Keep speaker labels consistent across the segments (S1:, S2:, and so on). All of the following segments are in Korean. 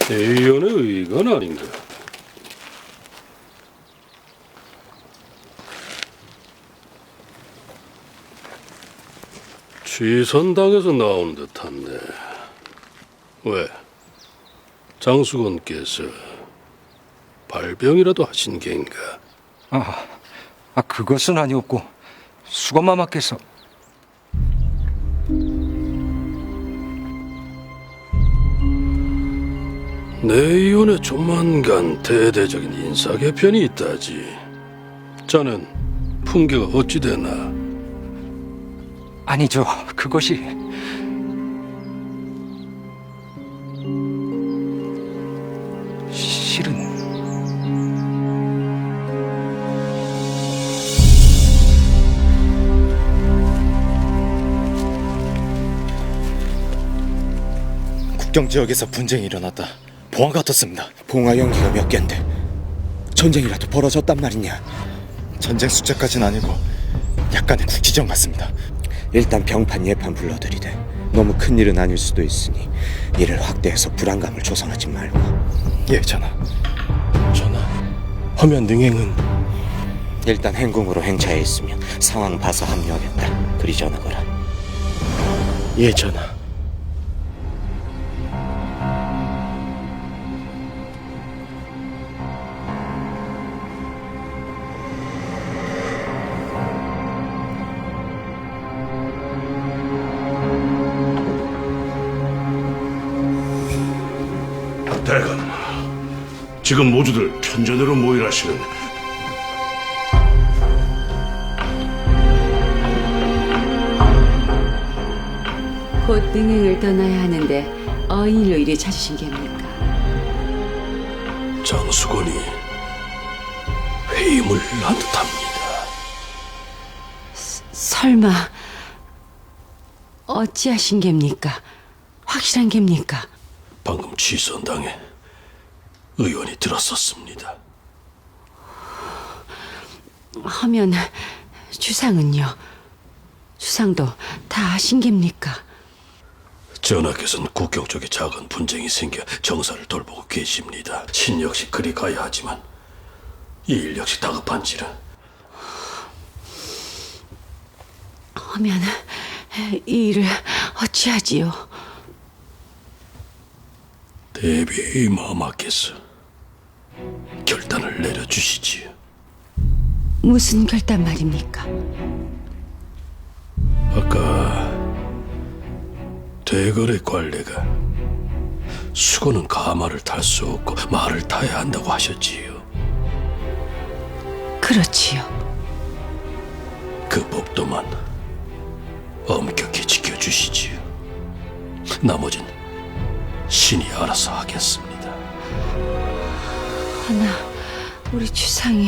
S1: 대의원의 의건 아닌가? 취선당에서 나온 듯한데 왜? 장수건께서 발병이라도 하신 게인가?
S2: 그것은 아니었고 수건마마께서.
S1: 내의원에 조만간 대대적인 인사 개편이 있다지. 자넨 풍계가 어찌 되나?
S2: 아니죠. 그것이 실은
S3: 국경 지역에서 분쟁이 일어났다. 봉화가 떴습니다. 봉화 연기가 몇 개인데 전쟁이라도 벌어졌단 말이냐? 전쟁 숫자까지는 아니고 약간의 국지전 같습니다.
S4: 일단 병판 예판 불러들이되 너무 큰 일은 아닐 수도 있으니 이를 확대해서 불안감을 조성하지 말고.
S3: 예, 전하. 전하, 화면 능행은
S4: 일단 행궁으로 행차해 있으면 상황 봐서 합류하겠다. 그리 전하거라.
S3: 예, 전하.
S5: 대감, 지금 모두들 편전으로 모이라시는
S6: 곧 능행을 떠나야 하는데 어인으로 이리 찾으신 게입니까?
S1: 장수건이 회임을 한 듯합니다.
S6: 설마 어찌하신 게입니까? 확실한 게입니까?
S1: 방금 취선당에 의원이 들었었습니다.
S6: 하면 주상은요? 주상도 다 아신 게입니까?
S1: 전하께서는 국경 쪽에 작은 분쟁이 생겨 정사를 돌보고 계십니다. 신 역시 그리 가야 하지만 이 일 역시 다급한지라.
S6: 하면 이 일을 어찌하지요?
S1: 대비의 마마께서 결단을 내려주시지요.
S6: 무슨 결단 말입니까?
S1: 아까 대거래 관례가 수건은 가마를 탈 수 없고 말을 타야 한다고 하셨지요.
S6: 그렇지요.
S1: 그 법도만 엄격히 지켜주시지요. 나머진 신이 알아서 하겠습니다.
S6: 하나 우리 주상이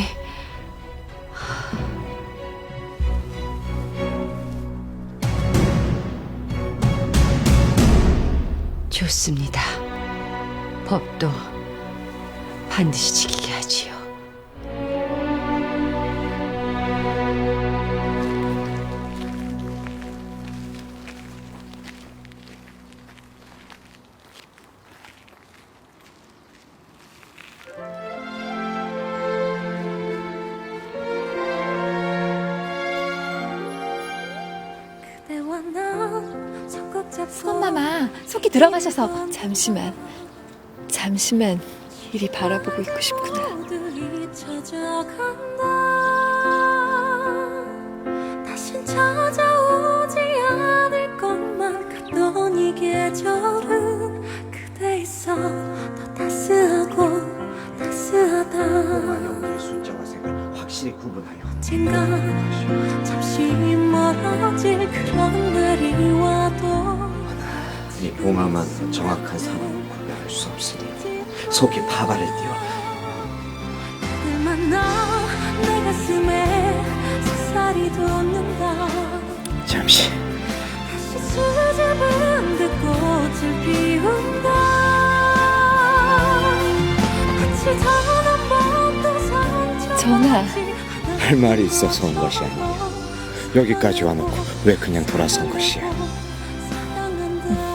S6: 좋습니다. 법도 반드시 지키게 하지요.
S7: 수건마마 속이 들어가셔서 잠시만 이리 바라보고 있고 싶구나.
S8: 다신 찾아오지 않을 것만 같던 이 계절은 그대 있어 더 따스하고 따스하다.
S4: 영의 숫자와 색을 확실히 구분하여
S8: 언젠가 잠시 멀어질 그런 날이 와도
S4: 이 봉화만 정확한 상황을 구별할 수 없으니 속이 파발을 띄워.
S8: 그댈 만나 내 가슴에 속살이 돋는다.
S4: 잠시
S8: 다시 수줍은 듯 꽃을 피운다. 같이 전한 번도 상처
S7: 전하.
S4: 할 말이 있어서 온 것이 아니야. 여기까지 와놓고 왜 그냥 돌아선 것이야.